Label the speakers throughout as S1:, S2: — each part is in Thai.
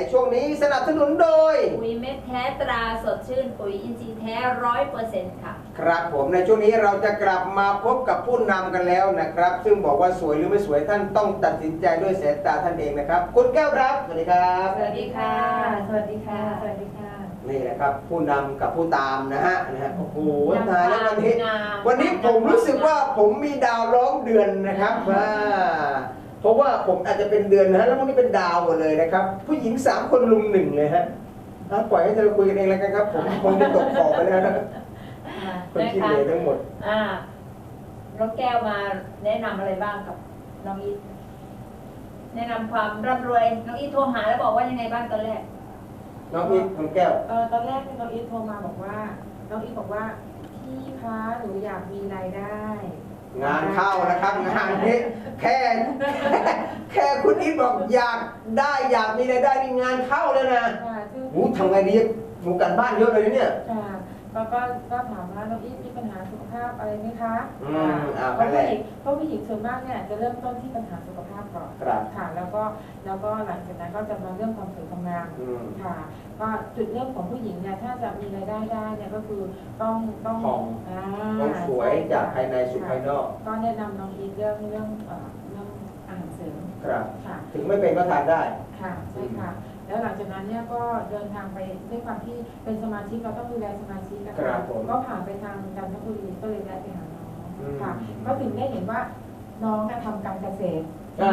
S1: ช่วงนี้สนับสนุนโดย
S2: ปุ๋ยเม็ดแท้ตราสดชื่นปุ๋ยอินทรีย์แท้100%ค่ะ
S1: ครับผมในช่วงนี้เราจะกลับมาพบกับผู้นำกันแล้วนะครับซึ่งบอกว่าสวยหรือไม่สวยท่านต้องตัดสินใจด้วยสายตาท่านเองนะครับคุณแก้วครับสวัสดีครับ
S2: สวัสดีค่ะสวัสดีค่ะสวัสดีค่ะ
S1: นี่แหละครับผู้นำกับผู้ตามนะฮะโอ้โหตายแล้ววันนี้ผมรู้สึกว่าผมมีดาวล้อมเดือนนะครับเพราะว่าผมอาจจะเป็นเดือนนะฮะแล้ววันนี้เป็นดาวหมดเลยนะครับผู้หญิง3 คนลุม1เลยฮะปล่อยให้เธอคุยกันเองแล้วกันครับผมคงจะตกขอบไปแล้วนะคนที่เหลือทั้งหมด
S2: น้องแก้วมาแนะนำอะไรบ้างกับน้องอีทแนะนำความร่ำรวยน้องอีทโทรหาแล้วบอกว่ายังไงบ้างตอนแรก
S1: น้องอีทน้องแก้ว
S3: ตอนแรกน้องอีทโทรมาบอกว่าน้องอีทบอกว่าพี่คะหนูอยากมีรายได้
S1: งานเข้านะครับงานนี้แค่คุณอีทบอกอยากมีรายได้นี่งานเข้าแล้วนะทำไงดีหนูกันบ้านเยอะเลยเนี่ย
S3: ก็ถามว่าน้องอีทมีปัญหาสุขภาพอะไรไหมคะเพราะผู้หญิงส่วนมากเนี่ยจะเริ่มต้นที่ปัญหาสุขภาพก่อนค่ะแล้วก็หลังจากนั้นก็จะมาเรื่องความสวยความงามค่ะก็จุดเริ่มของผู้หญิงเนี่ยถ้าจะมีรายได้ได้เนี่ยก็คือต้อง
S1: สวยจากภายในสู่ภายนอก
S3: ก็แนะนำน้องอีทเรื่องอาหารเสริม
S1: ครับถึงไม่เป็นก็ทานได้
S3: ค่ะใช่ค่ะแล้วหลังจากนั้นเนี่ยก็เดินทางไปด้วยความที่เป็นสมาชิกเราต้องดูแลสมาชิกนะคะก็ผ่านไปทางจันทบุรีก็เลยได้ไปหาน้องค่ะก็ถึงได้เห็นว่าน้องทำการเกษตร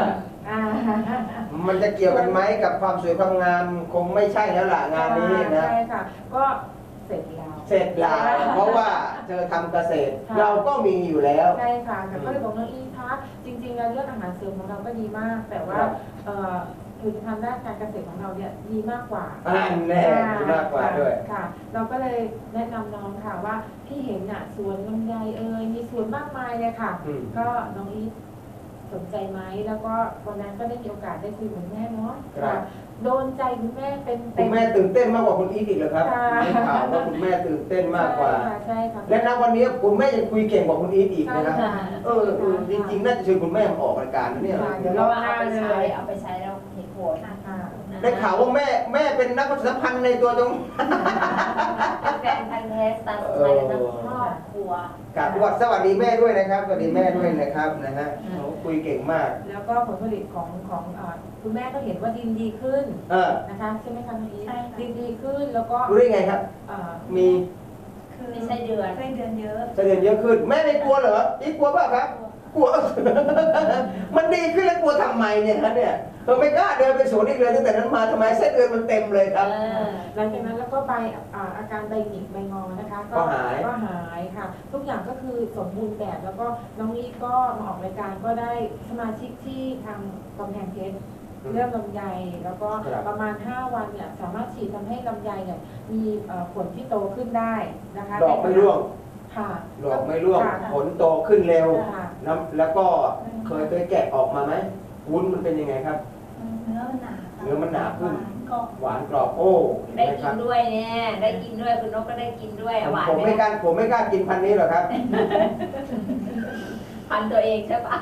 S1: มันจะเกี่ยวกันไหมกับความสวยความงามคงไม่ใช่แล้วล่ะงานนี้นะ
S3: ใช่ค่ะก็เสร็จ
S1: แล้วเพราะว่าเธอทำเกษตรเราก็มีอยู่แล้ว
S3: ใช่ค่ะแต่ก็เลยบอกน้องอีคะจริงๆแล้วเรื่องอาหารเสริมของเราก็ดีมากแต่ว่าผลิตภัณฑ์ด้านการเกษตรของเราเนี่ยดีมากกว่า
S1: แน่ดีมากกว่าด้วย
S3: ค่ะเราก็เลยแนะนำน้องค่ะว่าที่เห็นน่ะสวนลำไยมีสวนมากมายเลยค่ะก็น้องอีทสนใจไหมแล้วก็วันนั้นก็ได้มีโอกาสได้คุยกับแม่เนาะโดนใจคุณแม่เป็น
S1: คุณแม่ตื่นเต้นมากกว่าคุณอีทอีกเหรอครับได้ข่าวว่าคุณแม่ตื่นเต้นมากกว่า
S3: ใช่ค่ะ
S1: และณวันนี้คุณแม่ยังคุยเก่งกว่าคุณอีทอีกนะครับจริงๆน่าจะเชิญคุณแม่มาออกรายการเนี่ย
S2: เดี๋ยวเราเอาไปใช้แล้วเห็นผล
S1: ได้ข่าวว่าแม่เป็นนักประชาสัมพันธ์ในตัวจง
S2: แฟนพันธุ์แท้สไตล์สไตล์ทั้งครอบครัว
S1: กับสวัสดีแม่ด้วยนะครับสวัสดีแม่ด้วยนะครับนะฮะคุยเก่งมาก
S3: แล้วก็ผลผลิตของคุณแม่ก็เห็นว่าดินดีขึ้นนะคะใช่ไหมคะน้องอีทดินดีขึ้นแล้วก็
S1: รู้ได้ไงครับมี
S2: คือไส้เดือนเยอะ
S1: ไส้เดือนเยอะขึ้นแม่ไม่กลัวเหรออีกกลัวเปล่าครับกลัวมันดีขึ้นแล้วกลัวทำไมเนี่ยครับเนี่ยเราไม่กล้าเดินไปสวนอีกเลยตั้งแต่นั้นมาทำไมไส้เดือนมันเต็มเลยครับ
S3: หลังจากนั้นแล้วก็ไปอาการใบหงิกใบงอนะคะก็หายค่ะทุกอย่างก็คือสมบูรณ์แบบแล้วก็น้องอีทก็มาออกรายการก็ได้สมาชิกที่ทางกำแพงเพชรเรื่องลำไยแล้วก็ประมาณ5 วันเนี่ยสามารถฉีดทำให้ลำไยเนี่ยมีผลที่โตขึ้นได้นะคะ
S1: ดอกไม่ร่วงดอกไม่ร่วงผลโตขึ้นเร็วแล้วก็เคยแกะออกมาไหมวุ้นมันเป็นยังไงครับ
S2: เนื้อมัน
S1: หนาขึ้นหวานกรอบโอ้
S2: ได้กินด้วยเนี่ยได้กินด้วยคุณนกก็ได้กินด้วยหวาน
S1: ผมไม่กล้ากินพันนี้หรอกครับ
S2: พันตัวเองใช่ปะ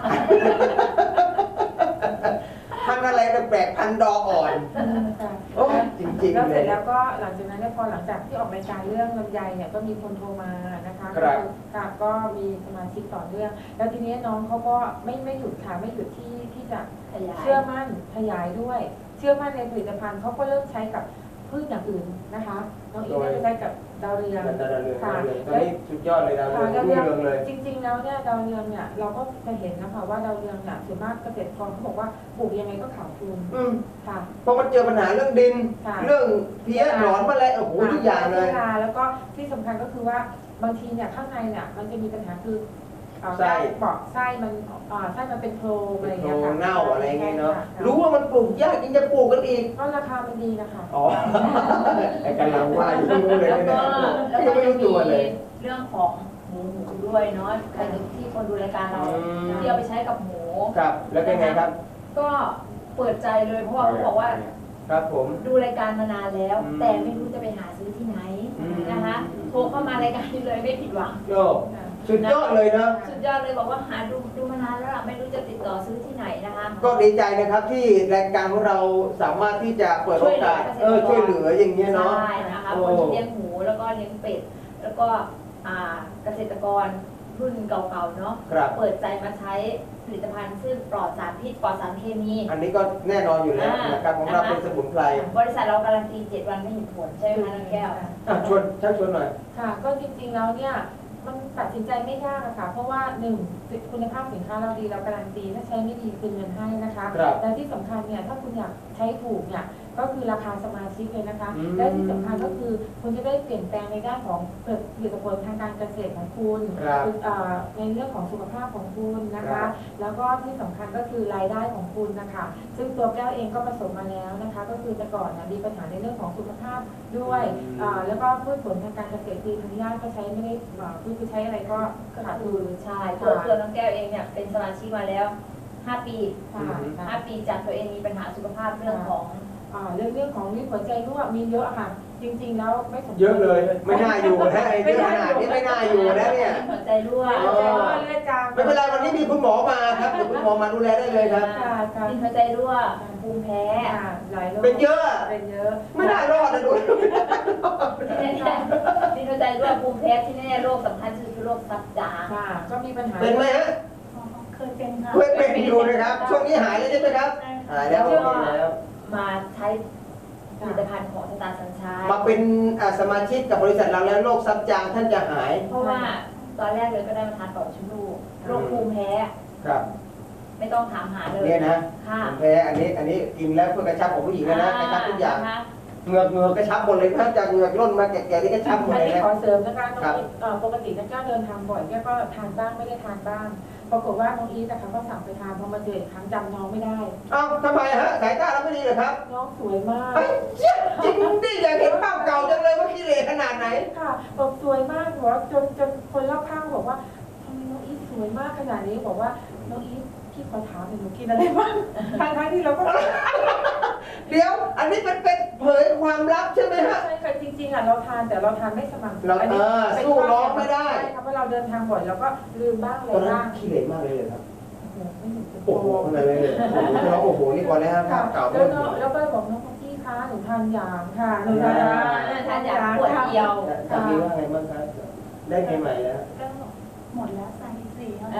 S1: พันอะไรแปลกพันดอกอ่อนโอ้จริงๆ
S3: แล้วเสร็จแล้วก็หลังจากนั้นพอหลังจากที่ออกรายการเรื่องลำไยเนี่ยก็มีคนโทรมานะคะก็มีสมาชิกต่อเนื่องแล้วทีนี้น้องเขาก็ไม่หยุดค่ะไม่หยุดที่จะเชื่อมั่นขยายด้วยเชื่อมั่นในผลิตภัณฑ์เขาก็เริ่มใช้กับพืชอย่างอื่นนะคะน้องอีทได้ไปใช้กับดาวเรือง
S1: ค่ะตอนนี้สุดยอดเลยดาวเรืองเลย
S3: จริงๆแล้วเนี่ยดาวเรืองเนี่ยเราก็จะเห็นนะคะว่าดาวเรืองเนี่ยส่วนมากเกษตรกรเขาบอกว่าปลูกยังไงก็ขาดทุน
S1: ค่ะเพราะมันเจอปัญหาเรื่องดินเรื่องเพี้ยหนอนมาเลยโอ้โหทุกอย่างเลย
S3: แล้วก็ที่สำคัญก็คือว่าบางทีเนี่ยข้างในเนี่ยมันจะมีปัญหาคือไส้มันเป็นโพรงอะไรอย่างเงี้ยค่ะ
S1: เน่าอะไรเงี้ยเนาะรู้ว่ามันปลูกยากยังจะปลูกกันอีก
S3: ก็ราคามันดีนะคะ
S1: อ๋อไอ้กำลังว่าอยู่ตรงนู้นเลยเนี่ย
S2: แล้วก็ไม่รู้ตัวเลยเรื่องของหมูด้วยเนาะใครที่คนดูรายการเราที่เอาไปใช้กับหมู
S1: ครับแล้วเป็นไงครับ
S2: ก็เปิดใจเลยเพราะว่าเขาบอกว่า
S1: ครับผม
S2: ดูรายการมานานแล้วแต่ไม่รู้จะไปหาซื้อที่ไหนนะคะโทรเข้ามารายการนี้เลยไม่ผิดหวัง
S1: สุดยอดเลยนะ
S2: สุดยอดเลยบอกว่าหาดูมานานแล้วล่ะไม่รู้จะติดต่อซื้อที่ไหนนะคะ
S1: ก็ดีใจนะครับที่รายการของเราสามารถที่จะเปิดโอกาสช่วยเหลืออย่างเงี้ยเนาะ
S2: ใช่นะคะ
S1: โอ้
S2: คนที่เลี้ยงหมูแล้วก็เลี้ยงเป็ดแล้วก็เกษตรกรรุ่นเก่าๆเนาะ
S1: ครับ
S2: เปิดใจมาใช้ผลิตภัณฑ์ซึ่งปลอดสารพิษปลอดสารเคมี
S1: อันนี้ก็แน่นอนอยู่แล้วนะครับของเราเป็นสมุนไพร
S2: บริษัทเราการันตี7 วันไม่เห็นผลใช่ไหมคะน้องแก้ว
S1: ชวนชักชวนหน่อย
S3: ค่ะก็จริงๆแล้วเนี่ยมันตัดสินใจไม่ยากอะค่ะเพราะว่าหนึ่งคุณภาพสินค้าเราดีเราการันตีถ้าใช้ไม่ดีคืนเงินให้นะคะ
S1: ครับ
S3: และที่สำคัญเนี่ยถ้าคุณอยากใช้ถูกเนี่ยก็คือราคาสมาชิกเลยนะคะ
S1: อืม
S3: และที่สำคัญก็คือคุณจะได้เปลี่ยนแปลงในด้านของผลิตผลทางการเกษตรของคุณ
S1: ครับ
S3: ในเรื่องของสุขภาพของคุณนะ
S1: ครั
S3: คะ
S1: บ
S3: แล้วก็ที่สำคัญก็คือรายได้ของคุณนะคะ ซึ่งตัวแก้วเองก็ประสบมาแล้วนะคะ ก็คือแต่ก่อนนะมีปัญหาในเรื่องของสุขภาพด้วย แล้วก็พืชผลทางการเกษตรคือทางญาติก็ใช้ไม่ได้คือใช้อะไรก็ขาด
S2: คื
S3: ทุ
S2: อน ใช่ตัวน้องแก้วเองเนี่ยเป็นสมาชิกมาแล้ว 5 ปี
S3: ค่ะ
S2: 5 ปีจากตัวเองมีปัญหาสุขภาพเรื่องของ
S3: เรื่องของนี่หัวใจรั่วมีเยอะค่ะ จริงๆแล้วไม่สมควร
S1: เยอะเลยไม่น่าอยู่นะไอ้เยอะขนาดนี้ไม่น่าอยู่นะเนี่ย
S2: หัวใจรั่ว
S3: หัวใจรั่วเลือดจาง
S1: ไม่เป็นไรวันนี้มีคุณหมอมาครับเดี๋ยวคุณหมอมาดูแลได้เลยครับ
S3: ค่ะค่ะ
S2: ดินหัวใจรั่วภูมิแพ้
S3: หลายโรค
S1: เป็นเยอะ
S3: เป็นเยอะ
S1: ไม่น่ารอดนะดู
S2: ที่แน่ๆดินหัวใจรั่วภูมิแพ้ที่แน่โรคสำคัญคือโรคซับจาง
S3: ค่ะก็มีปัญหา
S1: เป็นไหมฮะ
S2: เคยเป็นค่ะ
S1: เคยเป็นอยู่นะครับ ช่วงนี้หายแล้วใช่ไหมครับหายแล้วโอเคแล้ว
S2: มาใช้ผลิตภัณฑ์ของสตาร์สัญชัย
S1: มาเป็นสมาชิกกับบริษัทเราแล้วโรคซับจางท่านจะหาย
S2: เพราะว่าตอนแรกเลยก็ได้มาทานต่อมชมพูโรคภูมิแพ้
S1: ครับ
S2: ไม่ต้องถามหาเลย
S1: เนี่ยนะ
S2: ค่ะ
S1: ผมแพ้อันนี้กินแล้วเพื่อกระชับของผู้หญิงนะกระชับทุกอย่าง
S2: นะคะ
S1: เหงือกกระชับหมดเลยถ้าจากเหงือกร่นมาแก่ๆนี่กระชับหมด
S3: อัน
S1: เลย
S3: นี้
S1: นะ
S3: ขอเสริมนะคะน้อง
S1: ครับ
S3: อีทปกตินักก้าวเดินทางบ่อยแกก็ทานบ้างไม่ได้ทานบ้าง ปรากฏว่าน้องอีทนะคะก็สั่งไปทานพอมาเจออีกครั้งจำน้องไม่ได้
S1: เอ้าทำไมฮะสายตาเราไม่ดีเหรอครับ
S3: น้องสวยมาก
S1: เฮ้ยเจี๊ยบจริงดิอยากเห็นภาพเก่าจังเลยว่าขี้เหร่ขนาดไหน
S3: ค่ะบอกสวยมากหัวจนคนรอบข้างบอกว่าทำไมน้องอีทสวยมากขนาดนี้บอกว่าน้องอีทพี่ขอถามหน่อยหนูกินอะไรบ้างทั้งที่เราก็
S1: เดี๋ยว อันนี้เป็นเผยความลับใช่ไหมฮะ
S3: ใช่ค่ะจริงๆอ่ะเราทานแต่เราทานไม่สม่ำเสม
S1: เรา
S3: ออันนี้เป็น
S1: สู้น้องไม่ได้
S3: ใช่ค่ะเพราะเราเดินทางบ่อยเราก็ลืมบ้างอะไร
S1: ตอนนั้น
S3: บ้าง
S1: ขี้เหร่มากเลยเหรอครับ
S3: โอ้โหไม่เห็นจะ
S1: โอ้โหขนาดนั้นเลยโอ้โหนี่ก่อนเลยฮะภาพเก่า
S3: แล้วก็แล้วก็บอกน้องพี่คะหนูทานยางค่ะหนูทาน
S2: ทานอย่างขวดเดียว
S1: สามีว่าไงบ้างครับได้ไงใหม่แล้ว
S4: ก็หมดแล้ว34แล้ว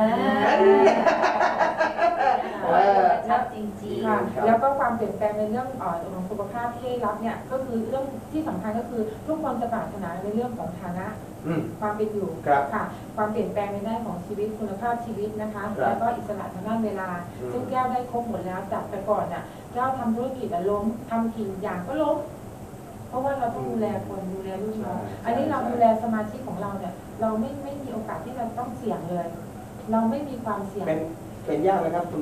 S2: ชัดจริง
S3: ค่ะแล้วก็ความเปลี่ยนแปลงในเรื่องของสุขภาพที่ได้รับเนี่ยก็คือเรื่องที่สำคัญก็คือทุกคนจะปรารถนาในเรื่องของฐานะ
S1: อืม
S3: ความเป็นอยู่
S1: ครับ
S3: ค่ะ ความเปลี่ยนแปลงในด้านของชีวิตคุณภาพชีวิตนะคะ
S1: ครับ
S3: แล้วก็อิสระทางด้านเวลา
S1: อืม
S3: ซึ่งแก้วได้ครบหมดแล้วจากแต่ก่อนน่ะแก้วทำธุรกิจล้มทำกี่อย่างก็ล้ม เพราะว่าเราต้องดูแลคนดูแลลูกน้องอันนี้เราดูแลสมาชิกของเราเนี่ย เราไม่มีโอกาสที่เราต้องเสี่ยงเลย เราไม่มีความเสี่ยง
S1: เป็นยากไหมครับ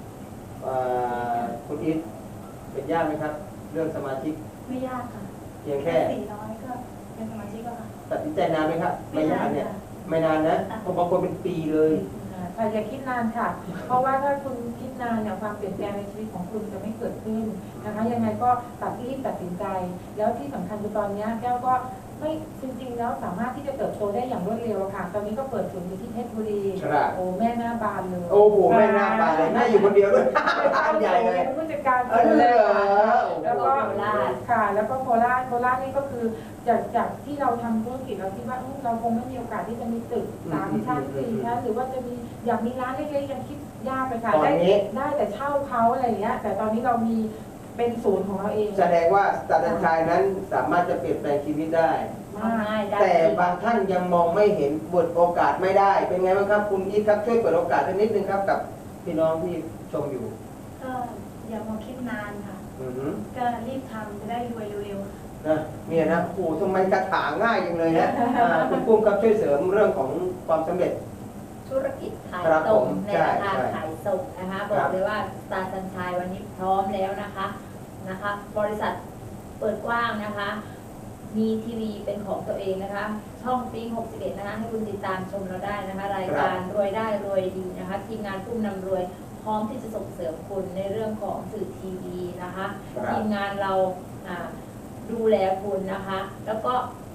S1: คุณอีทเป็นยากไหมครับ เรื่องสมาชิก
S4: ไม่ยากค่ะ
S1: เพียงแค่
S4: 400ก็เป็นสมาชิกแล้วค่ะ
S1: ตัดสินใจนานไหมครับไม่นานเนี่ยไม่นานนะเพราะบางคนเป็นปีเลย
S3: ค่ะอย่าคิดนานค่ะ เพราะว่าถ้าคุณคิดนานเนี่ยความเปลี่ยนแปลงในชีวิตของคุณจะไม่เกิดขึ้นนะคะ ยังไงก็รีบตัดสินใจ แล้วที่สำคัญคือตอนนี้แก้วก็ไม่จริงๆแล้วสามารถที่จะเติบโตได้อย่างรวดเร็วค่ะ ตอนนี้ก็เปิดศูนย์อยู่ที่เพชรบุรี
S1: ครับ
S3: โอ้แม่หน้าบานเลย
S1: โอ้โหแม่หน้าบานเลยแม่อยู่คนเดียวด้วยใหญ่เลย
S3: เป็นผู้จัดการ
S1: เออเหรอ
S3: แล้วก็
S2: โคราช
S3: ค่ะ แล้วก็โคราชนี่ก็คือจากที่เราทำธุรกิจเราคิดว่าเราคงไม่มีโอกาสที่จะมีตึก3 ชั้น 4 ชั้นหรือว่าจะมีอยากมีร้านเล็กๆยังคิดยากเลยค่ะ
S1: ตอนนี้
S3: ได้แต่เช่าเขาอะไรอย่างเงี้ย แต่ตอนนี้เรามีเป็นศูนย์ของเราเอง
S1: แสดงว่าสตาร์ดันชายนั้นสามารถจะเปลี่ยนแปลงชีวิตได้
S2: ทำง่ายได้
S1: แต่บางท่านยังมองไม่เห็นบทโอกาสไม่ได้ เป็นไงบ้างครับคุณอีทครับช่วยเปิดโอกาสสักนิดนึงครับกับพี่น้องที่ชมอยู่
S4: ก็อย่ามาคิดนานค่ะ
S1: อือหือ
S4: ก็รีบทำจะได้รวยเร็ว
S1: นะเนี่ยนะโอ้โหทำไมกระถางง่ายจังเลยนะคุณปุ้มครับช่วยเสริมเรื่องของความสำเร็จ
S2: ธุรกิจขาย
S1: ครับ
S2: ส่ง
S1: ผม
S2: ในราคา
S1: ใช่
S2: ขายส่งนะคะ บอกเลยว่าสตาร์สัญชัยวันนี้พร้อมแล้วนะคะบริษัทเปิดกว้างนะคะ มีทีวีเป็นของตัวเองนะคะ ช่องปิ๊ง61นะคะให้คุณติดตามชมเราได้นะคะ รายการรวยได้รวยดีนะคะ ทีมงานผู้นำรวยพร้อมที่จะส่งเสริมคุณในเรื่องของสื่อทีวีนะคะ
S1: ครับ
S2: ทีมงานเราดูแลคุณนะคะ แล้วก็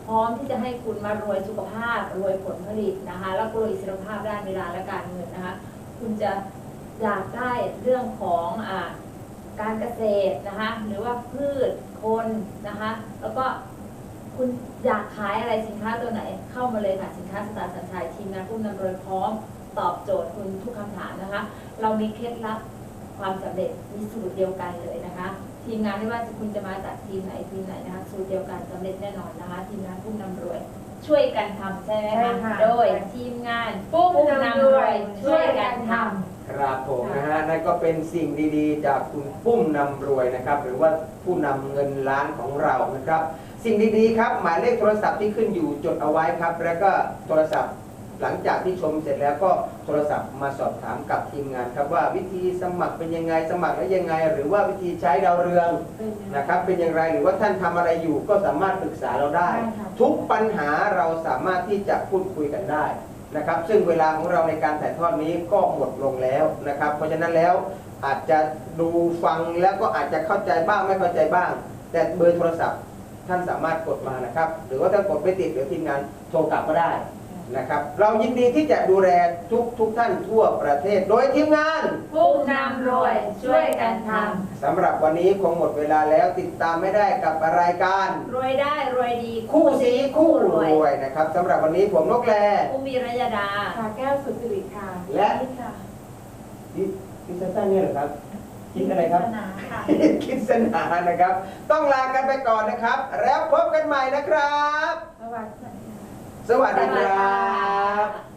S2: พร้อมที่จะให้คุณมารวยสุขภาพรวยผลผลิตนะคะแล้วก็รวยอิสรภาพด้านเวลาและการเงินนะคะคุณจะอยากได้เรื่องของการเกษตรนะคะหรือว่าพืชคนนะคะแล้วก็คุณอยากขายอะไรสินค้าตัวไหนเข้ามาเลยค่ะสินค้าสตาร์สัญชัยทีมงานผู้นำโดยพร้อมตอบโจทย์คุณทุกคำถามนะคะเรามีเคล็ดลับความสำเร็จมีสูตรเดียวกันเลยนะคะทีมงานไม่ว่าคุณจะมาจากทีมไหนนะคะสูตรเดียวกันสำเร็จแน่นอนนะคะทีมงานผู้นำรวยช่วยกันทำใช่ไหม
S3: ใช่
S2: คะ
S3: ค่ะ
S2: โดยทีมงานผู้นำรวยช่วยกันทำ
S1: ครับผมนะฮะนั่นก็เป็นสิ่งดีๆ จากคุณปุ้มนำรวยนะครับหรือว่าผู้นำเงินล้านของเรานะครับสิ่งดีๆครับหมายเลขโทรศัพท์ที่ขึ้นอยู่จดเอาไว้ครับแล้วก็โทรศัพท์หลังจากที่ชมเสร็จแล้วก็โทรศัพท์มาสอบถามกับทีมงานครับว่าวิธีสมัครเป็นยังไงสมัครแล้วยังไง หรือว่าวิธีใช้ดาวเรืองนะครับเป็นอย่างไรหรือว่าท่านทำอะไรอยู่ก็สามารถปรึกษาเราได้ ทุกปัญหาเราสามารถที่จะพูดคุยกันได้นะครับซึ่งเวลาของเราในการถ่ายทอดนี้ก็หมดลงแล้วนะครับเพราะฉะนั้นแล้วอาจจะดูฟังแล้วก็อาจจะเข้าใจบ้างไม่เข้าใจบ้าง แต่เบอร์โทรศัพท์ท่านสามารถกดมานะครับหรือว่าถ้ากดไม่ติดเดี๋ยวทีมงานโทรกลับก็ได้นะครับเรายินดีที่จะดูแลทุกท่านทั่วประเทศโดยทีมงาน
S2: ผู้นำรวยช่วยกันท
S1: สำหรับวันนี้คงหมดเวลาแล้วติดตามไม่ได้กับรายการ
S2: ำรวยได้รวยดี
S1: คู่สีคู่รวยนะครับสำหรับวันนี้ผมนกแล
S2: ผู้มีรยดา
S3: ค่ะแก้วสุดสิริค่ะ
S1: และ
S4: คิดค่ะ
S1: คิดสั้นๆเนี่ยเหรอครับคิดอะไรครับ
S4: ศาสนาค่ะ
S1: คิดสนานะครับ ต้องลากันไปก่อนนะครับ แล้วพบกันใหม่นะครับ
S3: สวัสดีค่ะ
S1: สวัสดีครับ